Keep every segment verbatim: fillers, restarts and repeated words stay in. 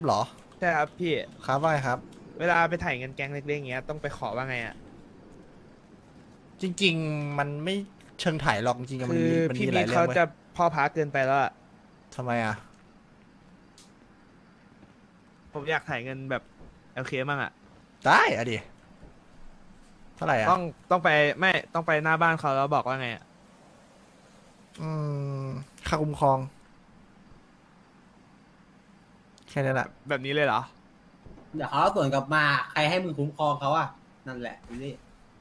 หรอใช่ครับพี่ครับว่าไงครับเวลาไปถ่ายเงินแก๊งเล็กๆอย่างเงี้ยต้องไปขอว่าไงอ่ะจริงๆมันไม่เชิงถ่ายหรอกจริงๆมันคือมีมันพี่มีหลายเรื่องเว้ยมีเขาจะพ่อพาเกินไปแล้วอะทำไมอ่ะผมอยากถ่ายเงินแบบโอเคมั่งอ่ะได้อะดิเท่าไหร่อ่ะต้องต้องไปไม่ต้องไปหน้าบ้านเขาแล้วบอกว่าไงอ่ะอืมค่าคุ้มครองแค่นั้นแหละแบบนี้เลยเหรอเดี๋ยวเขาสวนกลับมาใครให้มึงคุ้มครองเขาอ่ะนั่นแหละดูดิ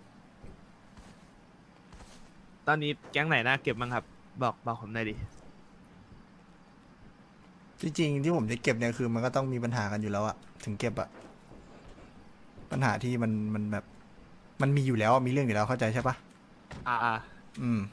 ตอนนี้แก๊งไหนน่าเก็บบ้างครับบอกบอกผมหน่อยดิจริงๆที่ผมจะเก็บเนี่ยคือมันก็ต้องมีปัญหากันอยู่แล้วอะถึงเก็บอะปัญหาที่มันมันแบบมันมีอยู่แล้วอะมีเรื่องอยู่แล้วเข้าใจใช่ปะอ่าอ่าอืม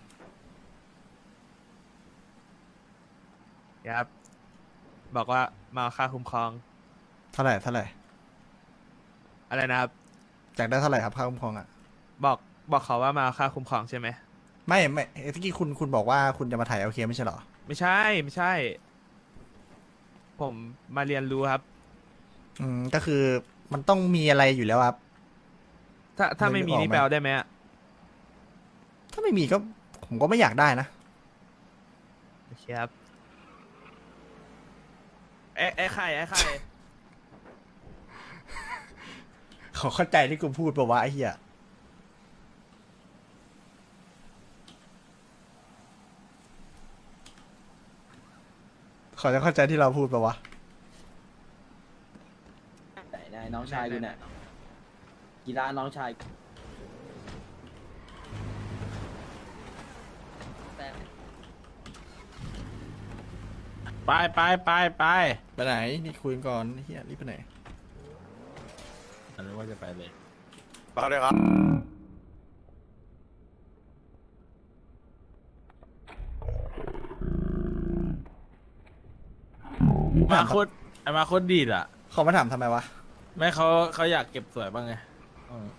ครับบอกว่ามาเอาค่าคุ้มครองเท่าไหร่เท่าไหร่อะไรนะครับอยากได้เท่าไหร่ครับค่าคุ้มครองอะบอกบอกเขาว่ามาเอาค่าคุ้มครองใช่ไหมไม่ไม่เมื่อกี้คุณคุณบอกว่าคุณจะมาถ่ายโอเคไม่ใช่เหรอไม่ใช่ไม่ใช่ผมมาเรียนรู้ครับอืมก็คือมันต้องมีอะไรอยู่แล้วครับถ้าถ้านึกไม่มีออกไหมนี่แปลได้ไหมอะถ้าไม่มีก็ผมก็ไม่อยากได้นะโอเคครับไอ้ไอ้ไข่ไอ้ไข่เขาเข้าใจที่กูพูดปะวะไอ้เหี้ยเขาจะเข้าใจที่เราพูดปะวะไหนนายน้องชายกูเนี่ยกีฬาน้องชายไปไปไปไปไปไหนนี่คุยกันก่อนไอ้เหี้ยรีบไปไหนอันนี้ว่าจะไปเลยต่อเลยครับมาโคตรไอ้มาโคตรดีดอ่ะเขามาถามทำไมวะแม่เขาเขาอยากเก็บสวยบ้างไงอืม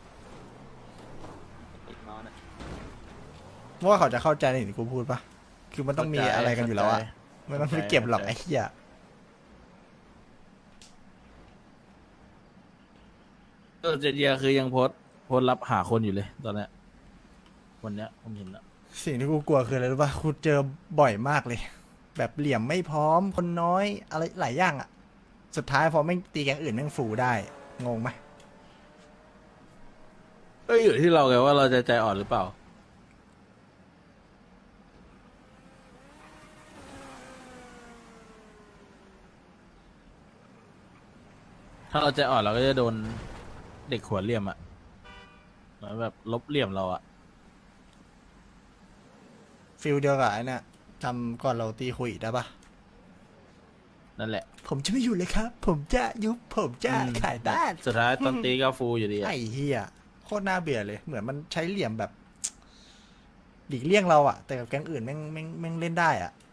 เพราะว่าเขาจะเข้าใจในสิ่งที่กูพูดปะคือมันต้องมีอะไรกันอยู่แล้วอะไม่ต้องไปเก็บหรอกไอ้เหี้ยเออเจเดียคือยังโพสต์โพสต์รับหาคนอยู่เลยตอนเนี้ยวันเนี้ยผมเห็นแล้วสิ่งที่กูกลัวคืออะไรรู้ปะกูเจอบ่อยมากเลย แบบเหลี่ยมไม่พร้อมคนน้อยอะไรหลายอย่างอะสุดท้ายพอไม่งตีแกงอื่นแม่งฟูได้งงไหมก็อยู่ที่เราไงว่าเราจะใจอ่อนหรือเปล่า ถ้าเราใจอ่อนเราก็จะโดนเด็กหัวเหลี่ยมอ่ะเหมือนแบบลบเหลี่ยมเราอ่ะฟิลเดียวกับไอ้เนี่ยจำก่อนเราตีคุยได้ปะนั่นแหละผมจะไม่อยู่เลยครับ ผมจะยุบผมจะอืมขายบ้านสุดท้ายตอนตีก็ฟูอยู่ดีอะไอ้เฮียโคตรน่าเบื่อเลย เหมือนมันใช้เหลี่ยมแบบหลีกเลี่ยงเราอะแต่กับแก๊งอื่นแม่งแม่งแม่งเล่นได้อะ